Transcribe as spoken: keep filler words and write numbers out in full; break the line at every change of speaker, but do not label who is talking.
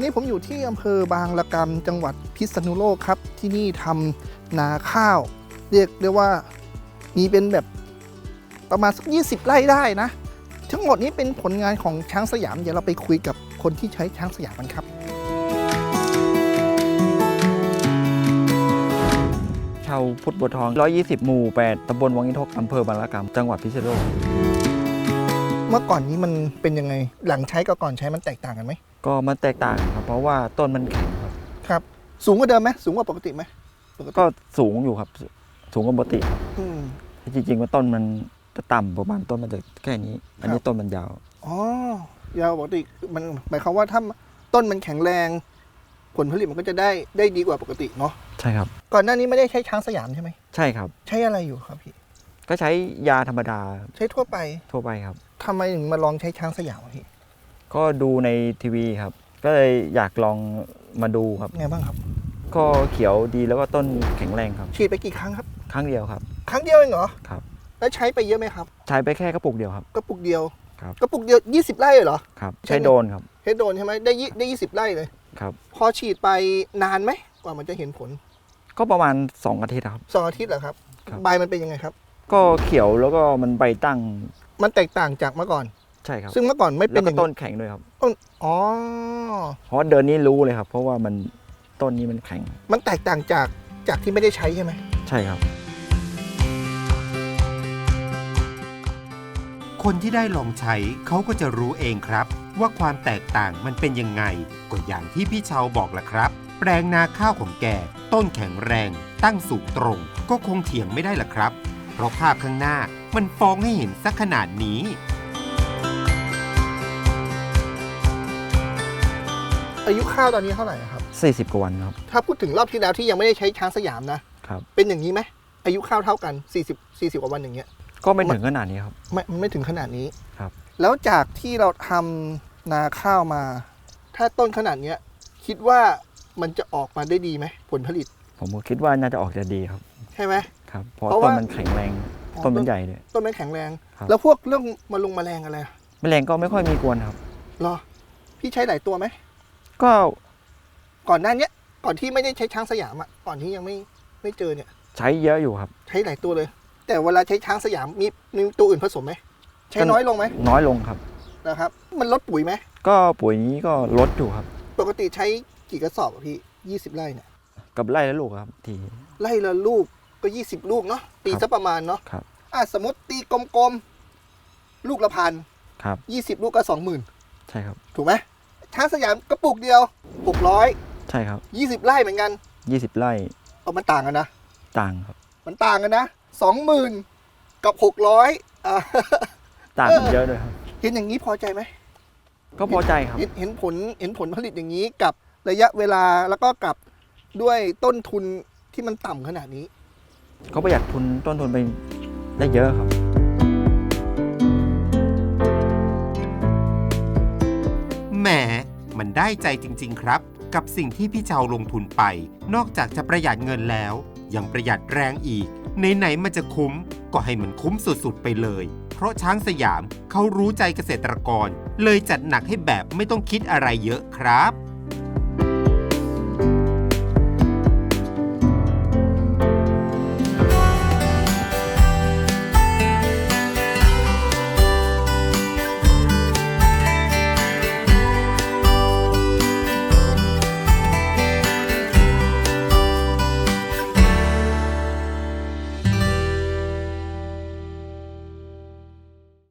อนนี้ผมอยู่ที่อำเภอบางละกำจังหวัดพิษณุโลกครับที่นี่ทำนาข้าวเรียกได้ว่ามีเป็นแบบประมาณสักยี่สิบไร่ได้นะทั้งหมดนี้เป็นผลงานของช้างสยามเดี๋ยวเราไปคุยกับคนที่ใช้ช้างสยามกันครับ
ชาวพุทธบัวทองหนึ่งร้อยยี่สิบหมู่แปดตำบลวังอินทกอำเภอบางละกำจังหวัดพิษณุโลก
เมื่อก่อนนี้มันเป็นยังไงหลังใช้กับก่อนใช้มันแตกต่างกันไหม
ก็มันแตกต่างครับเพราะว่าต้นมันแข็งครับ
ครับสูงกว่าเดิมไหมสูงกว่าปกติไหม
ก็สูงอยู่ครับสูงกว่าปกติครับ
อืม
จริงๆว่าต้นมันจะต่ำประมาณต้นมันจะแค่นี้อันนี้ต้นมันยาว
อ๋อยาวปกติมันหมายความว่าถ้าต้นมันแข็งแรงผลผลิตมันก็จะได้ได้ดีกว่าปกติเนาะ
ใช่ครับ
ก่อนหน้านี้ไม่ได้ใช้ช้างสยามใช่ไหม
ใช่ครับ
ใช้อะไรอยู่ครับพี่
ก็ใช้ยาธรรมดา
ใช้ทั่วไป
ทั่วไปครับ
ทำไมถึงมาลองใช้ช้างสยามพี่
ก็ดูในทีวีครับก็เลยอยากลองมาดูครับ
ไงบ้างครับ
ก็เขียวดีแล้วก็ต้นแข็งแรงครับ
ฉีดไปกี่ครั้งครับ
ครั้งเดียวครับ
ครั้งเดียวเองเหรอ
ครับ
แล้วใช้ไปเยอะไหมครับ
ใช้ไปแค่กระปุกเดียวครับ
กระปุกเดียว
ครับ
กระปุกเดียวยี่สิบไร่เหรอ
ครับใช้โดนครับ
ใช้โดนใช่ไหมได้ได้ยี่สิบไร่เลย
ครับ
พอฉีดไปนานไหมกว่ามันจะเห็นผล
ก็ประมาณสองอาทิตย์ครับ
สองอาทิตย์เหรอครับใบมันเป็นยังไงครับ
ก็เขียวแล้วก็มันใบตั้ง
มันแตกต่างจากเมื่อก่อน
ใช่ครับ
ซึ่งเมื่อก่อนไม่เป็น
แล้วก็ต้นแข็งด้วยครับ
ต้นอ๋อ
เพราะเดินนี้รู้เลยครับเพราะว่ามันต้นนี้มันแข็ง
มันแตกต่างจากจากที่ไม่ได้ใช้ใช่ไหม
ใช่ครับ
คนที่ได้ลองใช้เขาก็จะรู้เองครับว่าความแตกต่างมันเป็นยังไงก็อย่างที่พี่เชาบอกล่ะครับแปลงนาข้าวของแกต้นแข็งแรงตั้งสูงตรงก็คงเถียงไม่ได้ล่ะครับเพราะภาพข้างหน้ามันฟ้องให้เห็นสักขนาดนี้
อายุข้าวตอนนี้เท่าไหร่ครับ
สี่สิบกว่าวันครับ
ถ้าพูดถึงรอบที่แล้วที่ยังไม่ได้ใช้ช้างสยามนะครับเป็นอย่างนี้ไหมอายุข้าวเท่ากันสี่สิบ สี่สิบกว่าวันอย่างเงี้ย
ก็ไม่ถึงขนาดนี้ครับ
ไม่ไม่ถึงขนาดนี้
ครับ
แล้วจากที่เราทำนาข้าวมาถ้าต้นขนาดเนี้ยคิดว่ามันจะออกมาได้ดีไหมผลผลิต
ผมก็คิดว่าน่าจะออกจะดีครับ
ใช่ไหม
ครับเพราะต้นมันแข็งแรงต้นมันใหญ่เลย
ต้นมันแข็งแรงแล้วพวกเรื่องมาลงแมลงอะไร
แมลงก็ไม่ค่อยมีกวนครับ
หรอพี่ใช้หลายตัวไหม
ก็
ก่อนหน้านี้ก่อนที่ไม่ได้ใช้ช้างสยามอ่ะก่อนที่ยังไม่ไม่เจอเนี่ย
ใช้เยอะอยู่ครับ
ใช้หลายตัวเลยแต่เวลาใช้ช้างสยามมีมีตัวอื่นผสมไหมใช้น้อยลงไหม
น้อยลงครับ
นะครับมันลดปุ๋ยไหม
ก็ปุ๋ยนี้ก็ลดอยู่ครับ
ปกติใช้กี่กระสอบพี่ยี่สิบไร่เนี่ย
กับไร่ละลูกครับที
ไร่ละลูกก็ยี่สิบลูกเนาะตีซะประมาณเนาะ
ครับ
อ่ะสมมติตีกลมๆลูกละพัน
ครับ
ยี่สิบลูกก็สองหมื่น
ใช่ครับ
ถูกไหมช้างสยามกระปุกเดียวหกร้อย
ใช่ครับ
ยี่สิบไร่เหมือนกัน
ยี่สิบไร่
เอามันต่างกันนะ
ต่างครับ
มันต่างกันนะสองหมื่นกับหกร้อยอ่า
ต่างกันเยอะเลยครับ
เห็นอย่างนี้พอใจไหม
ก็พอใจครับ
เห็นผลเห็นผลผลิตอย่างนี้กับระยะเวลาแล้วก็กับด้วยต้นทุนที่มันต่ำขนาดนี้
เขาประหยัดทุนต้นทุนไปได้เยอะครับ
แหมมันได้ใจจริงๆครับกับสิ่งที่พี่เชาลงทุนไปนอกจากจะประหยัดเงินแล้วยังประหยัดแรงอีกไหนๆมันจะคุ้มก็ให้มันคุ้มสุดๆไปเลยเพราะช้างสยามเขารู้ใจเกษตรกรเลยจัดหนักให้แบบไม่ต้องคิดอะไรเยอะครับ